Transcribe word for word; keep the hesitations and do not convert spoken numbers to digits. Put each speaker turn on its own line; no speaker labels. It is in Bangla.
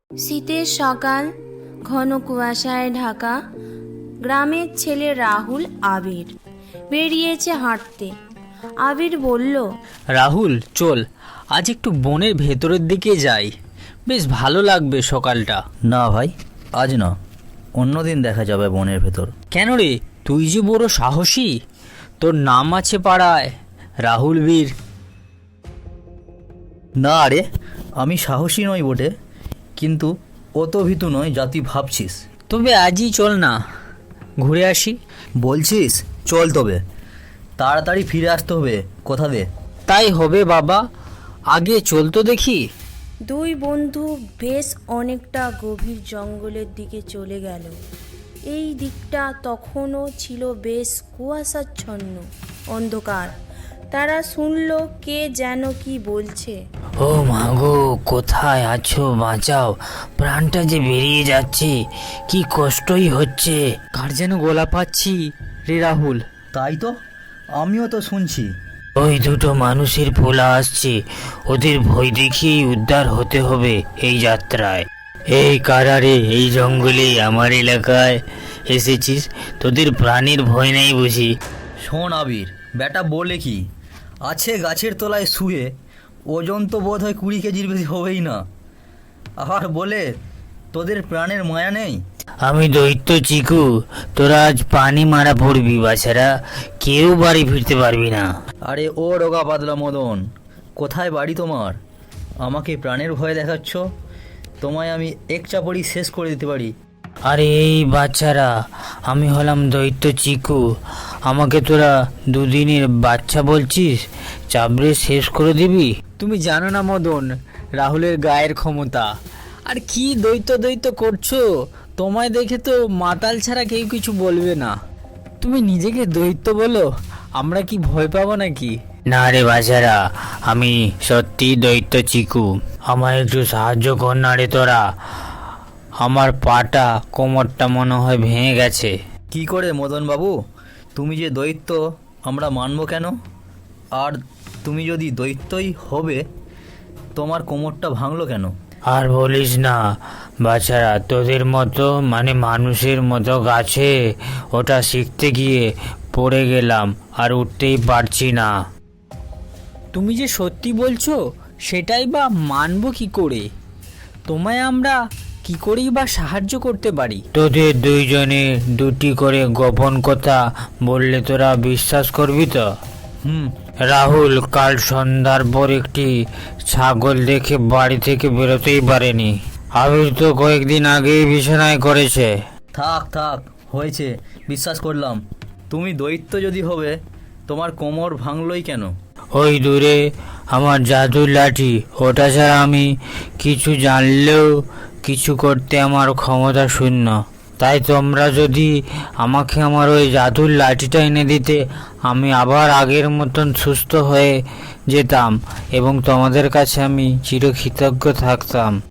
শীতের সকাল, ঘন কুয়াশায় ঢাকা। গ্রামের ছেলে রাহুল আবির বেরিয়েছে হাঁটতে। আবির বলল,
রাহুল চল, আজ একটু বনের ভেতরের দিকে যাই, বেশ ভালো লাগবে সকালটা।
না ভাই, আজ না, অন্যদিন দেখা যাবে বনের ভেতর।
কেন রে, তুই যে বড় সাহসী, তোর নাম আছে পাড়ায় রাহুল বীর।
না রে, আমি সাহসী নই বটে, কিন্তু অত ভীতু নয় যা তুই ভাবছিস।
তবে আজই চল না, ঘুরে আসি।
বলছিস চল, তবে তাড়াতাড়ি ফিরে আসতে হবে কথা দে।
তাই হবে বাবা, আগে চল তো দেখি।
দুই বন্ধু বেশ অনেকটা গভীর জঙ্গলের দিকে চলে গেল। এই দিকটা তখনও ছিল বেশ কুয়াশাচ্ছন্ন, অন্ধকার। তারা শুনল কে যেন কি বলছে।
ও মাগো, কোথায় আছো, বাঁচাও, প্রাণটা যে বেরিয়ে যাচ্ছে, কি কষ্টই হচ্ছে। কার যেন গলা পাচ্ছি রে রাহুল।
তাই তো, আমিও তো শুনছি।
ওই দুটো মানুষের পোলা আসছে, ওদের ভয় দেখিয়েই উদ্ধার হতে হবে এই যাত্রায়। এই কারারে, এই জঙ্গলে আমার এলাকায় এসেছিস, তোদের প্রাণীর ভয় নেই বুঝি?
শোন আবির, বেটা বলে কি, আছে গাছের তলায় শুয়ে, ওজন তো বোধ হয় কুড়ি কেজির বেশি হবেই না। আর বলে তোদের প্রাণের মায়া নেই।
আমি দৈত্য চিকু, তোরা আজ পানি মারা পড়বি, বাছারা কেউ বাড়ি ফিরতে পারবি না।
আরে ও রোগা পাতলা মদন, কোথায় বাড়ি তোমার? আমাকে প্রাণের ভয় দেখাচ্ছ? তোমায় আমি এক চাপড়ি শেষ করে দিতে পারি।
আরে এই বাচ্চারা, আমি হলাম দৈত্য চিকু, আমাকে তোরা দুদিনের বাচ্চা বলছিস? চাবড়ে শেষ করে দিবি? তুমি জানো না মদন, রাহুলের গায়ের ক্ষমতা। আর কি দৈত্য দৈত্য করছো? তোমায় দেখে তো মাতাল ছাড়া কেউ কিছু বলবে না। তুমি নিজেকে দৈত্য বলো, আমরা কি ভয় পাবো নাকি? না রে বাচ্চারা, আমি সত্যি দৈত্য চিকু, আমায় একটু সাহায্য কর না রে তোরা। আমার পাটা, কোমরটা মনে হয় ভেঙে গেছে।
কি করে মদন বাবু, তুমি যে দৈত্য আমরা মানব কেন? আর তুমি যদি দৈত্যই হবে, তোমার কোমরটা ভাঙলো কেন?
আর বলিস না বাচ্চারা, তোদের মতো মানে মানুষের মতো গাছে ওটা শিখতে গিয়ে পড়ে গেলাম, আর উঠতেই পারছি না। তুমি যে সত্যি বলছো, সেটাই বা মানবো কি করে? তোমায় আমরা কি করেই বা সাহায্য করতে পারি? তোদের দুইজনে দুটি করে গোপন কথা বললে তোরা বিশ্বাস করবি তো?
হুম।
রাহুল কাল সন্ধ্যার পর একটি ছাগল দেখে বাড়ি থেকে বেরোতেই পারেনি। আবির তো কয়েকদিন আগেই বিছানায় করেছে।
থাক থাক, হয়েছে, বিশ্বাস করলাম। তুমি দৈত্য যদি হবে, তোমার কোমর ভাঙলই কেন?
ওই দূরে আমার জাদুর লাঠি, ওটা ছাড়া আমি কিছু জানলেও কিছু করতে আমার ক্ষমতা শূন্য। তাই তোমরা যদি আমাকে আমার ওই জাদুর লাঠিটা এনে দিতে, আমি আবার আগের মতন সুস্থ হয়ে যেতাম এবং তোমাদের কাছে আমি চিরকৃতজ্ঞ থাকতাম।